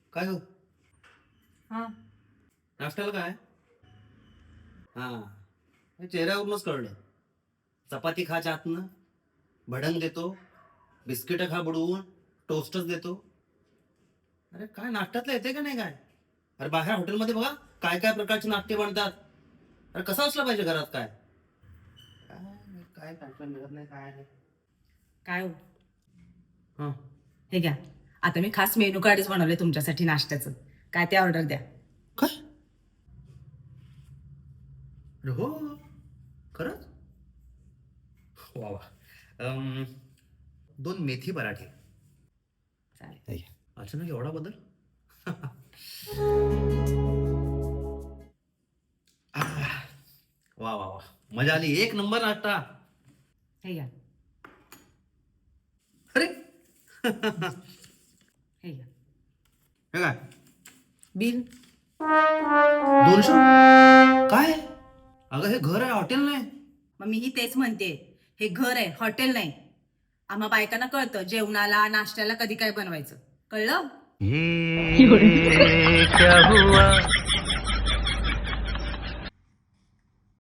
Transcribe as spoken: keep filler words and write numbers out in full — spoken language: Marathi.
काय हो हा नाश्त्याला काय हा हे चेहऱ्यावरूनच कळलं. चपाती खा चातनं, भडंग देतो, बिस्किट खा बुडवून, टोस्टच देतो. अरे काय नाश्त्यातलं येते का नाही काय? अरे बाहेर हॉटेलमध्ये बघा काय काय प्रकारचे नाश्ते बनतात. अरे कसं असलं पाहिजे घरात काय काय काय काय मिळत नाही काय नाही. काय हो हा हे घ्या. आता मी खास मेनू कार्डच बनवले तुमच्यासाठी नाश्त्याचं. काय ते ऑर्डर द्या. काय अरे हो खरंच वा वा अम, दोन मेथी पराठे. चालेल. अचानक एवढा बदल आह, वा वा वा मजा आली एक नंबर नाश्ता. हे घ्या. अरे हे घ्या. हे काय बिल. दोनशे काय अगं हे घर आहे हॉटेल नाही. मग मीही तेच म्हणते. हे घर आहे, हॉटेल नाही. आम्हा बायकांना कळतं जेवणाला नाश्त्याला कधी काय बनवायचं. कळलं? ये क्या हुआ